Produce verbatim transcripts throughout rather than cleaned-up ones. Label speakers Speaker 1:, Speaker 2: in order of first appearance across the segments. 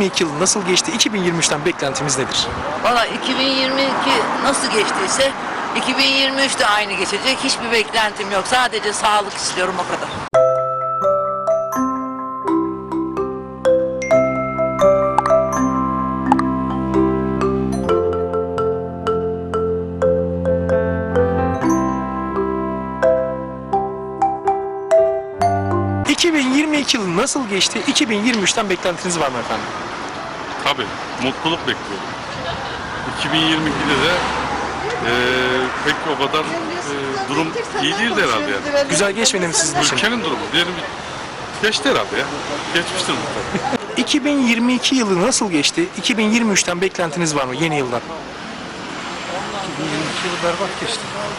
Speaker 1: yirmi iki yılı nasıl geçti? iki bin yirmi üçten beklentimiz nedir?
Speaker 2: Valla iki bin yirmi iki nasıl geçtiyse iki bin yirmi üç de aynı geçecek. Hiçbir beklentim yok. Sadece sağlık istiyorum, o kadar.
Speaker 1: iki bin yirmi iki yılı nasıl geçti? iki bin yirmi üçten beklentiniz var mı efendim?
Speaker 3: Tabii, mutluluk bekliyorum. iki bin yirmi ikide de e, pek o kadar e, durum iyi değildi herhalde yani.
Speaker 1: Güzel geçmedi mi sizin için?
Speaker 3: Ülkenin durumu diyelim geçti herhalde ya. Geçmiştir mutlaka.
Speaker 1: iki bin yirmi iki yılı nasıl geçti? iki bin yirmi üçten beklentiniz var mı yeni yıldan?
Speaker 4: iki bin yirmi iki yılı berbat geçti.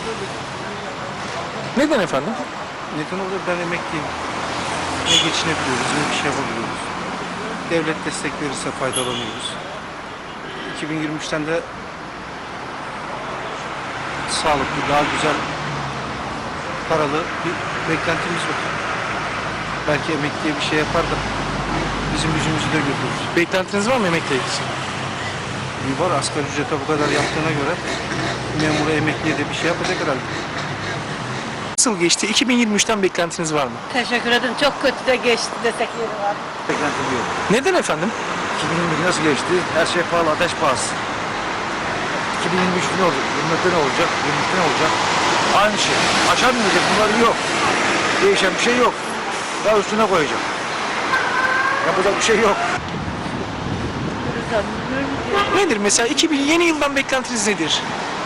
Speaker 1: Neden efendim?
Speaker 4: Neden oluyor? Ben emekliyim. Ne geçinebiliyoruz, ne bir şey yapabiliyoruz. Devlet destek verirse faydalanıyoruz. iki bin yirmi üçten de sağlıklı, daha güzel, paralı bir beklentimiz var. Belki emekliye bir şey yapar da bizim yüzümüzü de götürür.
Speaker 1: Beklentiniz var mı emekliye ilgisi?
Speaker 4: Bir var, asgari ücrete bu kadar yaptığına göre memura, emekliye de bir şey yapacak herhalde.
Speaker 1: Nasıl geçti? iki bin yirmi üçten beklentiniz var mı?
Speaker 5: Teşekkür ederim. Çok kötü de geçti desek yeri var.
Speaker 4: Beklentim yok.
Speaker 1: Neden efendim?
Speaker 4: iki bin yirmi iki nasıl geçti? Her şey pahalı, ateş pahası. iki bin yirmi üç ne olacak? yirmi dörtte ne olacak? yirmi üçte ne olacak? Aynı şey. Aşağı mı inecek? Bunlar yok. Değişen bir şey yok. Daha üstüne koyacak. Yapacak bir şey yok.
Speaker 1: Nedir mesela iki bin yeni yıldan beklentiniz nedir?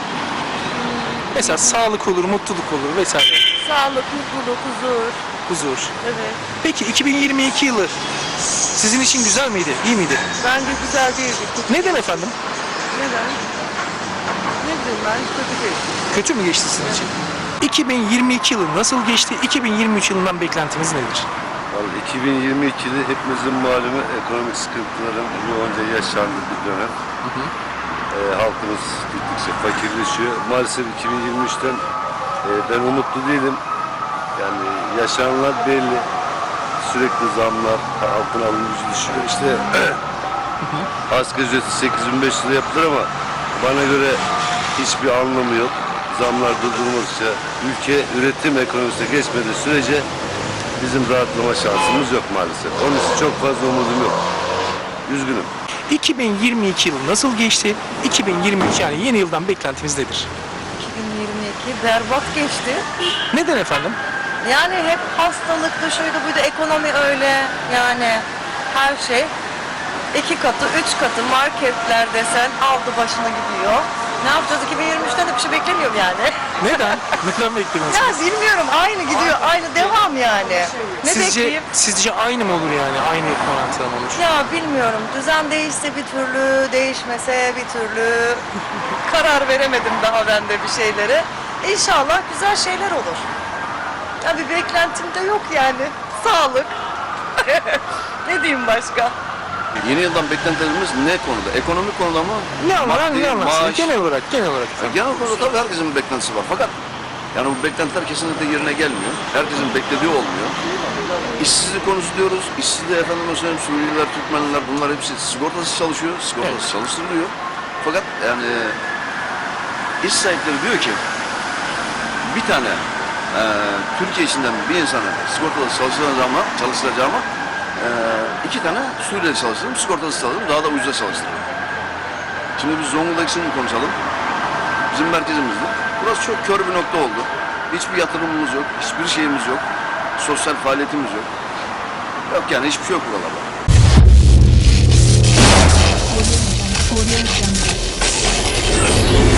Speaker 1: Mesela sağlık olur, mutluluk olur vesaire.
Speaker 5: Sağlık, mutluluk, huzur.
Speaker 1: Huzur.
Speaker 5: Evet.
Speaker 1: Peki iki bin yirmi iki yılı sizin için güzel miydi? İyi miydi?
Speaker 5: Bence güzel değildi.
Speaker 1: Neden efendim?
Speaker 5: Neden? Ne bileyim ben, kötü geçti.
Speaker 1: Kötü mü geçti sizin için? iki bin yirmi iki yılı nasıl geçti? iki bin yirmi üç yılından beklentimiz nedir?
Speaker 6: Vallahi iki bin yirmi ikide hepimizin malumu ekonomik sıkıntıların yoğunca yaşandığı bir dönem. Hı hı. E, halkımız gittikçe fakirleşiyor. Maalesef iki bin yirmi üçten e, ben umutlu değilim. Yani yaşananlar belli. Sürekli zamlar, halkın alım gücü düşüyor. İşte asgari ücreti sekiz bin beş yüz lira yapılır ama bana göre hiçbir anlamı yok. Zamlar durdurulmazsa, ülke üretim ekonomisine geçmediği sürece bizim rahatlama şansımız yok maalesef. Onun için çok fazla umudum yok. Üzgünüm.
Speaker 1: iki bin yirmi iki yılı nasıl geçti? iki bin yirmi üç yani yeni yıldan beklentimiz nedir?
Speaker 5: iki bin yirmi iki berbat geçti.
Speaker 1: Neden efendim?
Speaker 5: Yani hep hastalıktı, şuydu buydu, ekonomi öyle. Yani her şey iki katı, üç katı marketler desen aldı başını gidiyor. Ne yapacağız? iki bin yirmi üçten de bir şey beklemiyorum yani.
Speaker 1: Neden? Neden beklemiyorsunuz?
Speaker 5: Ya bilmiyorum, aynı gidiyor, aynı devam yani. Ne
Speaker 1: Sizce,
Speaker 5: bekleyeyim?
Speaker 1: sizce aynı mı olur yani? Aynı orantıda mı olur?
Speaker 5: Ya bilmiyorum. Düzen değişse bir türlü, değişmese bir türlü. Karar veremedim daha ben de bir şeylere. İnşallah güzel şeyler olur. Ya bir beklentim de yok yani. Sağlık. Ne diyeyim başka?
Speaker 7: Yeni yıldan beklentilerimiz ne konuda? Ekonomik konuda mı?
Speaker 1: Ne anlar,
Speaker 7: Maddi,
Speaker 1: ne anlarsınız?
Speaker 7: maaş.
Speaker 1: Genel olarak, genel olarak.
Speaker 7: Yani genel konuda tabii herkesin bir beklentisi var. Fakat yani bu beklentiler kesinlikle yerine gelmiyor. Herkesin beklediği olmuyor. İşsizlik konusu diyoruz. İşsizliği efendim mesela Suriyeliler, Türkmenler bunlar hepsi sigortasız çalışıyor. Sigortasız
Speaker 1: Evet.
Speaker 7: çalıştırılıyor. Fakat yani iş sahipleri diyor ki bir tane e, Türkiye içinden bir insanı sigortasız çalıştıracağıma, çalıştıracağıma e, iki tane Suriyeli çalıştırırım, sigortasız çalıştırırım, daha da ucuza çalıştırırım. Şimdi biz Zonguldak için konuşalım. Bizim merkezimizde. Burası çok kör bir nokta oldu. Hiçbir yatırımımız yok, hiçbir şeyimiz yok. Sosyal faaliyetimiz yok. Yok yani hiçbir şey yok buralarda.
Speaker 8: Audio Jungle.